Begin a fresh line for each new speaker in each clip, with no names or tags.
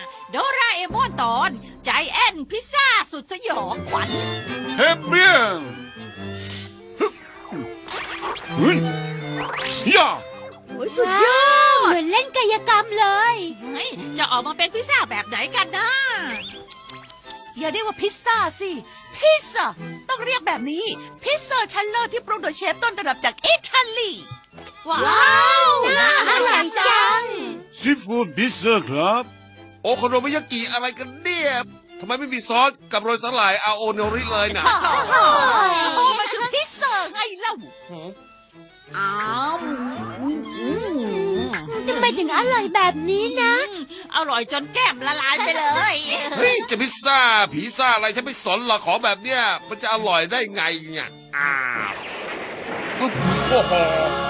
โดราเอมอนตอนใจแอนพิซซ่าสุดสยองขวัญ
เฮเบียนย่า
สุดยอดเหมือนเล่นกายกรรมเลย
จะออกมาเป็นพิซซ่าแบบไหนกันนะ
อย่าเรียกว่าพิซซ่าสิพิซซ่าต้องเรียกแบบนี้พิซซ่าชั้นเลิศที่ปรุงโดยเชฟต้นตำรับจากอิตาลี
ว้าวน่าอร่อยจัง
ซีฟู้ดพิซซ่าครับ
โอโคโนมิยากิอะไรกันเนี่ยทำไมไม่มีซอสกับโรยสาหร่ายอาโอโนริเลยนะ
มันคือพิซซ่าไงเล่า
อ้าว
ทำไมถึงอร่อยแบบนี้นะ
อร่อยจนแก้มละลายไปเลย
เฮ้ยจะพิซซ่าผีซ่าอะไรฉันไม่สนหรอกของแบบเนี้ยมันจะอร่อยได้ไงเนี่ยโอ้โห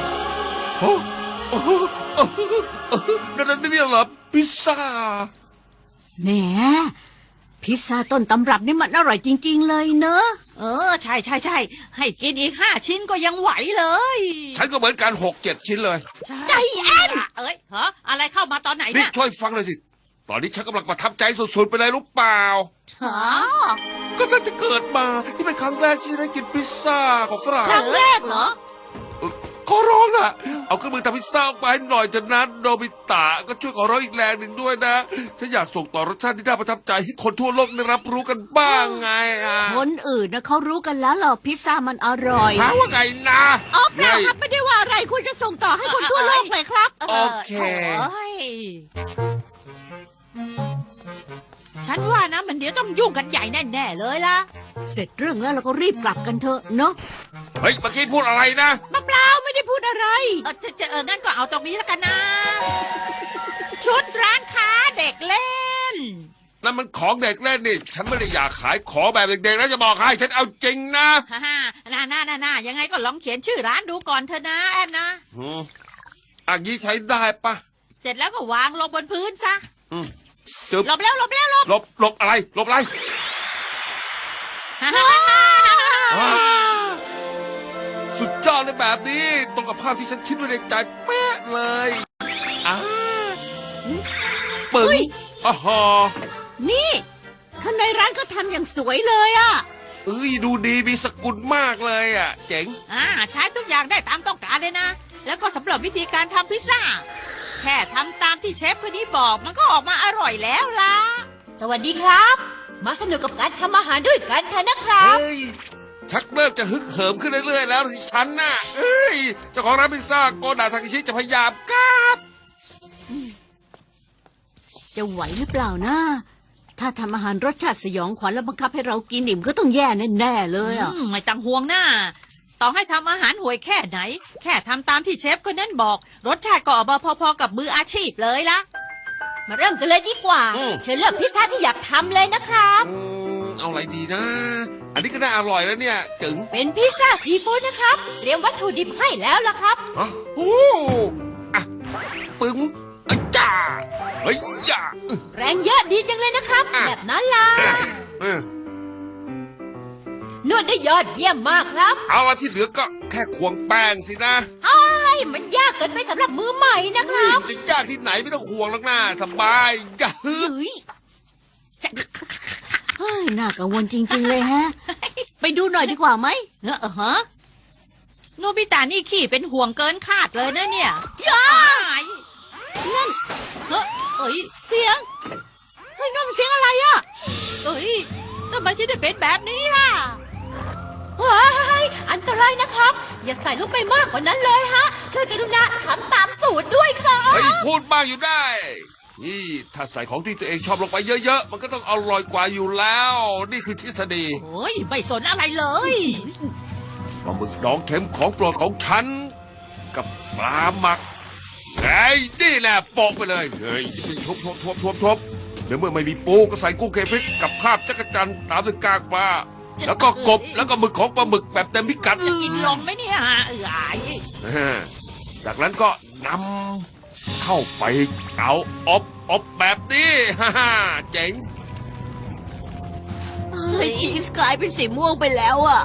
นั่นไม่เหรอพิซซ่า
แหมพิซซ่าต้นตำรับนี่มันอร่อยจริงๆเลยเนอะ
ใช่ให้กินอีก5 ชิ้นก็ยังไหวเลย
ฉันก็เหมือนกัน6-7 ชิ้นเลย
ใจแอนอะไรเข้ามาตอนไหน
นี่ช่วยฟังเลยสิตอนนี้ฉันกำลังประทับใจสุดๆไปเลยรู้เปล่าก็ตั้งแต่เกิดมาที่เป็นครั้งแรกที่ได้กินพิซซ่าของฝรั่ง
ครั้งแรกเหรอ
ขอร้องนะเอาเครื่องมือทำพิซซ่าออกไปหน่อยเถอะนะโนบิตะก็ช่วยขอร้องอีกแรงหนึ่งด้วยนะฉันอยากส่งต่อรสชาติที่น่าประทับใจให้คนทั่วโลกได้รับรู้กันบ้างไง
คนอื่นนะเขารู้กันแล้วหรอพิซซ่ามันอร่อย
ถามว่าไงนะ
เปล่าครับไม่ได้ว่าอะไรคุณจะส่งต่อให้คนทั่วโลกเลยครับ
โอเค
ฉันว่านะมันเดี๋ยวต้องยุ่งกันใหญ่แน่ๆเลยล่ะ
เสร็จเรื่องแล้วเราก็รีบกลับกันเถอะเนาะ
เฮ้ยเมื่อกี้พูดอะไรนะ
เปล่าไม่ได้พูดอะไรงั้นก็เอาตรงนี้แล้วกันนะชุดร้านค้าเด็กเล่น
นั่นมันของเด็กเล่นนี่ฉันไม่ได้อยากขายของแบบเด็กๆนะจะบอกให้ฉันเอาจริงนะ
น่ายังไงก็ลองเขียนชื่อร้านดูก่อนเถอะนะแอนนะ
อันนี้ใช้ได้ปะ
เสร็จแล้วก็วางลงบนพื้นซะหลบ
อะไรหลบอะไรสุดยอดเลยแบบนี้ตรงกับภาพที่ฉันคิดไว้ในใจเป๊ะเลยปึ้ง
นี่ข้างในร้านก็ทำอย่างสวยเลยอ่ะ
ดูดีมีสกุลมากเลยอ่ะเจ๋ง
ใช้ทุกอย่างได้ตามต้องการเลยนะแล้วก็สำหรับวิธีการทำพิซซ่าแค่ทำตามที่เชฟคนนี้บอกมันก็ออกมาอร่อยแล้วล่ะ
สวัสดีครับมาสนุกกับการทำอาหารด้วยกันเถอะนะครับ
ชักเริ่มจะฮึกเหิมขึ้นเรื่อยๆแล้วสิฉันน่ะเจ้าของร้านพิซซ่าโกดาทากิชิจะพยายามครับ
จะไหวหรือเปล่านะถ้าทำอาหารรสชาติสยองขวัญแล้วบังคับให้เรากินอิ่มก็ต้องแย่แน่ๆเลย
ไม่ต้องห่วงหน้าต่อให้ทำอาหารห่วยแค่ไหนแค่ทำตามที่เชฟคนนั้นบอกรสชาติก็ออกมาพอๆกับมืออาชีพเลยล่ะ
มาเริ่มกันเลยดีกว่าเชิญเลือกพิซซ่าที่อยากทำเลยนะครับ
เอาอะไรดีนะอันนี้ก็น่าอร่อยแล้วเนี่ยจึง
เป็นพิซซ่าซีฟู้ดนะครับเตรียมวัตถุดิบให้แล้วล่ะครับ
ปึ้งจ้าเฮ้ยจ้า
แรงเยอะดีจังเลยนะครับแบบนั้นล่ะนวดได้ยอดเยี่ยมมากครับ
เอาละที่เหลือก็แค่ควงแป้งสินะ
มันยากเกินไปสำหรับมือใหม่นะครับ
จะยากที่ไหนไม่ต้องควงหรอกนะสบายจ้ะ
น่ากังวลจริงๆเลยฮะไปดูหน่อยดีกว่าไหม
โนบิตะนี่ขี้เป็นห่วงเกินคาดเลยนะเนี่ย
นั่นเสียงนั่นเสียงอะไรอ่ะ
ทำไมที่ได้เป็นแบบนี้ล่ะ
อันตรายนะครับอย่าใส่ลูกไปมากกว่านั้นเลยฮะช่วยกรุณาทำตามสูตรด้วยครับ
พูดบ้างอยู่ได้นี่ถ้าใส่ของที่ตัวเองชอบลงไปเยอะๆมันก็ต้องอร่อยกว่าอยู่แล้วนี่คือทฤษฎี
ไม่สนอะไรเลย
ปลาหมึกดองเค็มของโปรดของฉันกับปลาหมักนี่แหละโปะไปเลยชบเดี๋ยวเมื่อไม่มีปูก็ใส่กุ้งเคฟิกกับคราบจักรจันทร์ตามด้วยกากปลาแล้วก็กบแล้วก็หมึกของปลาหมึกแบบเต็มพิกัด
จะกินลงไหมเนี่ย
จากนั้นก็นำเข้าไปเตาอบแบบนี้เจ๋ง
ชีสกลายเป็นสีม่วงไปแล้วอ่ะ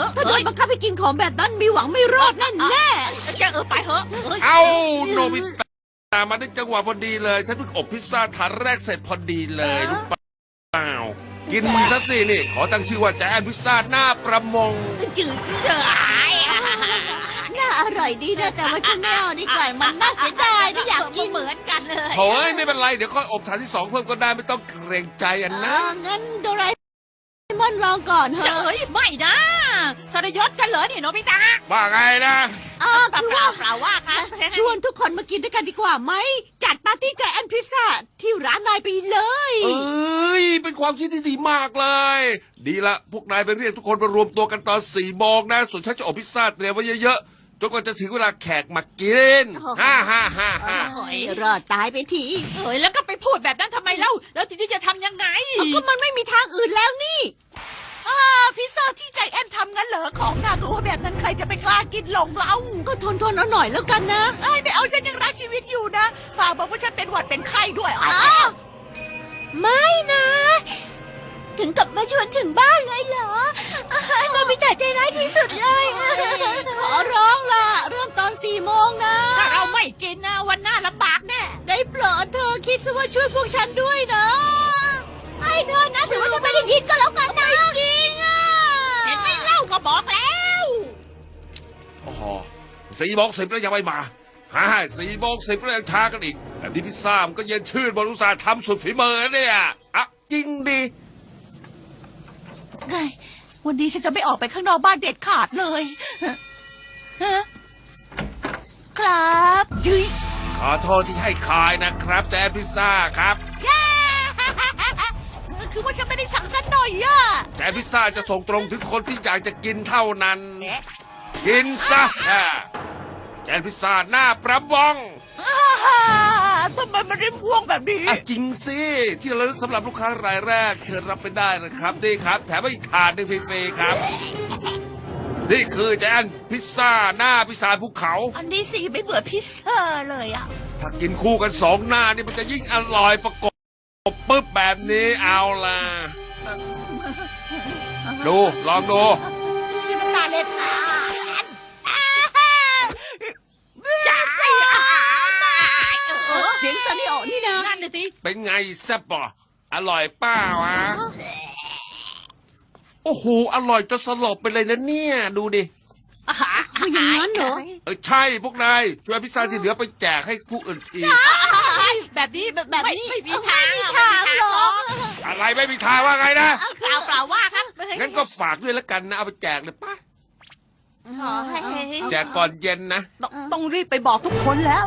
ถ้าโดนบังคับให้กินของแบบนั้นมีหวังไม่รอดแน่แน่
จะไปเหอะเอ้ย
เอาโนบิตะมาได้จังหวะพอดีเลย ฉันเพิ่งอบพิซซ่าถาดแรกเสร็จพอดีเลยรู้เปล่ากินซะสินี่ ขอตั้งชื่อว่าแจนพิซซ่าหน้าประมง
จืด
เจ๋ย
น่าอร่อยดีนะแต่ว่าฉันไม่เอาดีกว่ามันน่าเสียดายไม่อยากกิน
เหมือนกันเลย
โอ้ยไม่เป็นไร เดี๋ยวค่อยอบถาดที่ 2 เพิ่มก็ได้ไม่ต้องเกรงใจอันนะ
งั้นโดราเอมอนลองก่อนเถ
เจ๋
อะ
ยไม่นะทรยศกันเหรอเนี่ยโนบิตะ
ว่าไงนะ
เป
คือ
ล่า
ว่า
เปล่าว่าครับ
ชวนทุกคนมากินด้วยกันดีกว่าไหมจัดปาร์ตี้ใจแอนพิซซ่าที่ร้านนายไปเลย
เอ้ย เป็นความคิดที่ดีมากเลย ดีละ พวกนายไปเรียกทุกคนมารวมตัวกันตอน4 โมงนะ ส่วนฉันจะอบพิซซ่าเตรียมไว้เยอะๆ จนกว่าจะถึงเวลาแขกมากิน ฮ่าฮ่าฮ่าฮ่า
รอดตายไปที
เฮ้ยแล้วก็ไปพูดแบบนั้นทำไมเล่าแล้วทีนี้จะทำยังไง
ก็มันไม่มีทางอื่นแล้วนี่
พิซซ่าที่ใจแอนทำงั้นเหรอของน่ากลัวแบบนั้นใครจะไปกล้ากินหลงเรา
ก็ทนเอาหน่อยแล้วกันนะ
เอ้ยไม่เอาฉันยังรักชีวิตอยู่นะฝากบอกว่าฉันเป็นหวัดเป็นไข้ด้วยอ๋อ
ไม่นะ ถึงกับมาชวนถึงบ้านเลยเหรอโนบิตะใจร้ายที่สุดเลยขอร้องล่ะ เริ่มตอน4 โมงนะ
ถ้าเราไม่กินนะวันหน้าลำบากแน่
ได้โปรดเธอคิดซะว่าช่วยพวกฉันด้วยนะให้เธอนะถือว่าฉันไม่ได้ยินก็แล้วกันนะจริงอ่ะ
เห็นไหมเล่าก็บอกแล้ว
โอ้โห4:10แล้วยังไม่มาฮ่า4:10แล้วยังช้ากันอีกแบบนี้พิซซ่ามันก็เย็นชื่นบริษัททำสุดฝีมือเนี่ยอ่ะจริงดิ
ไงวันนี้ฉันจะไม่ออกไปข้างนอกบ้านเด็ดขาดเลยฮะครับยุ้ย
ขอโทษที่ให้คายนะครับแจนพิซซ่าครับ
คือว่าฉันไม่ได้สั่งสักหน่อยอ่ะ
แจนพิซซ่าจะส่งตรงถึงคนที่อยากจะกินเท่านั้น
เอ๊ะ
กินซะแจนพิซซ่าหน้าประบอง
ทำไมมันได้ม่วงแบบนี้
อ่ะจริงสิ ที่ระลึกสำหรับลูกค้ารายแรก เชิญรับไปได้นะครับนี่ครับ แถมให้อีกถาดหนึ่งฟรีๆครับ นี่คือแจนพิซซ่าหน้าพิซซ่าภูเขา
อันนี้สีไม่เหมือนพิซซ่าเลยอ่ะ
ถ้ากินคู่กัน2 หน้านี่มันจะยิ่งอร่อยประกบปึ๊บแบบนี้เอาล่ะ ดูลองดู
นี่มันน่าเล่น
จ้า
เสียงซานิโอนี่นะ
นั่นน่ะสิ
เป็นไงแซ่บป่ะอร่อยป้าวะโอ้โห อร่อยจนสลบไปเลยนะเนี่ย ดูดิ
คืออย่างนั้นเหรอ
ใช่พวกนายช่วยพิซซ่าที่เหลือไปแจกให้ผู้อื่นที
แบบนี้
แบบนี้
ไม่มีทาง
ไม่มีทางหรอก
อะไรไม่มีทางว่าไงนะ
เปล่าเปล่าว่าครับ
งั้นก็ฝากด้วยแล้วกันนะ เอาไปแจกเลยป่ะ
ขอให้
แจกก่อนเย็นนะ
ต้องรีบไปบอกทุกคนแล้ว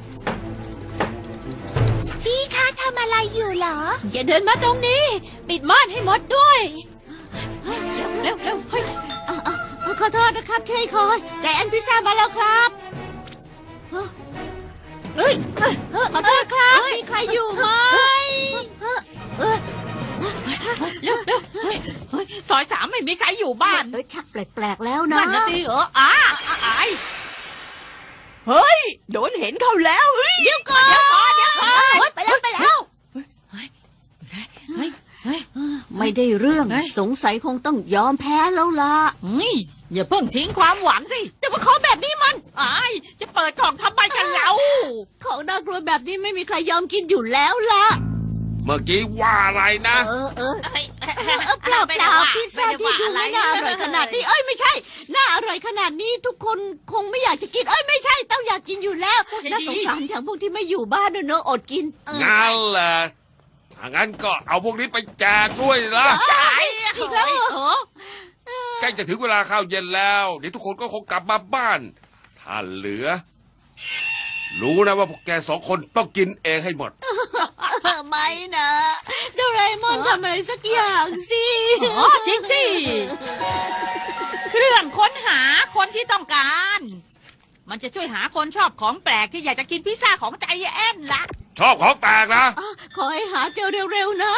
พี่คะทำอะไรอยู่เหรอ อย่าเดินมาตรงนี้ ปิดม่านให้หมดด้วย
เร็วเร็วเฮ้ย
ขอโทษนะครับที่ให้คอยใจแอนพิซซ่ามาแล้วครับเฮ้ยขอโทษครับ มีใครอยู่ไหม
เร็วเร็วเฮ้ยเฮ้ยซอย3ไม่มีใครอยู่บ้าน
ชักแปลกๆแล้วนะ
นั่นนะสิเหรออาย
เฮ้ย โดนเห็นเขาแล้วเฮ้ย
เดี๋ยวก่อนเดี๋ยวก่อนเดี๋ยวก่อน
ไปแล้ว
เฮ้ยเฮ้ยเฮ้ย
ไม่ได้เรื่อง
เฮ้ย
สงสัยคงต้องยอมแพ้แล้วล่ะ
นี่อย่าเพิ่งทิ้งความหวังสิ
แต่ว่าของแบบนี้มัน
อายจะเปิดกล่องทำไมกันเรา
ของน่ากลัวแบบนี้ไม่มีใครยอมกินอยู่แล้วล่ะ
เมื่อกี้ว่าอะไรนะ
เปล่าพิซซ่าที่ดูไม่น่าอร่อยขนาดนี้ ไม่ใช่ น่าอร่อยขนาดนี้ทุกคนคงไม่อยากจะกิน ไม่ใช่ ต้องอยากกินอยู่แล้ว น่าสงสารอย่างพวกที่ไม่อยู่บ้านเนอะอดกิน
งั้นแหละถ้างั้นก็เอาพวกนี้ไปแจกด้วยละ
ใช่
อีกแล้วเหรอ
ใกล้จะถึงเวลาข้าวเย็นแล้วเดี๋ยวทุกคนก็คงกลับมาบ้าน ถ้าเหลือ รู้นะว่าพวกแก2 คนต้องกินเองให้หมด
ไม่นะโดราเอมอนทำอะไรสักอย่างสิ
จริงสิเครื่องค้นหาคนที่ต้องการ มันจะช่วยหาคนชอบของแปลกที่อยากจะกินพิซซ่าของใจแอนละ
ชอบของแปลกนะ
ขอให้หาเจอเร็วๆนะ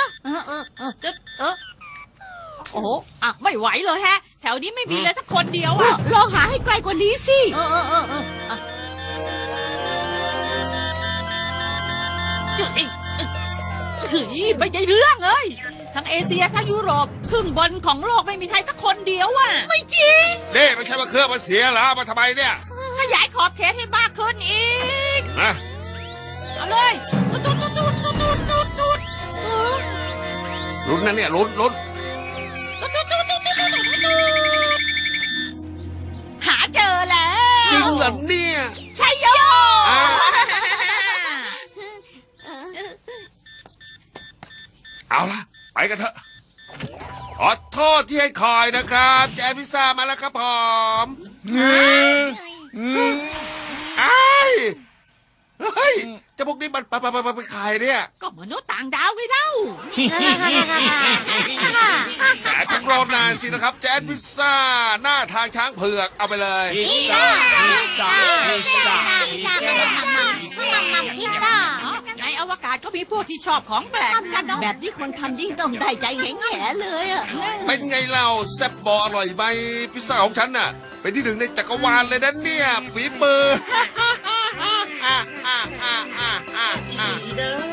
โอ้โหไม่ไหวเลยแฮะ แถวนี้ไม่มีเลยสักคนเดียวอ่ะ
ลองหาให้ไกลกว่านี้สิ
จุดอีกเฮ้ยไม่ได้เรื่องเลยทั้งเอเชียทั้งยุโรปครึ่งบนของโลกไม่มีใครสักคนเดียวอ่ะ
ไม่จริง
เด้ไม่ใช่ว่าเครื่องมันเสียเหรอมาทำไมเนี่ย
ขยายขอบเขตให้มากขึ้นอีก
นะ
เอาเลยตูดตูดตูดตูดตูดตูดตูด
ลุ้นนะเนี่ยลุ้น
ตูดตูดตูดตูดตูดตูดหาเจอแล้
จริง
ว
เหรอเนี่ย
ใช่โย
อ่า เอาละไปกันเถอะขอโทษที่ให้คอยนะครับแจพิซซ่ามาแล้วครับผมไอ้ายเฮ้ยเจะพวกนี้มันไปขายเนี่ย
ก็มนุษย์ต่างดาวไงเล่า
แต่ต้องรอนานสินะครับแจพิซซ่าหน้าทางช้างเผือกเอาไปเลย
พิซซ่าพิซซ่าพิซซ่าพิซซ่า
ในอวกาศก็มีพวกที่ชอบของแปลกกันเนาะ
แบบนี้คนทำยิ่งต้องได้ใจแง่ๆเลยอ่ะ
เป็นไงเล่าแซ่บบออร่อยไหมพิซซ่าของฉันน่ะ เป็นที่หนึ่งในจักรวาลเลยนะเนี่ยฝีมือ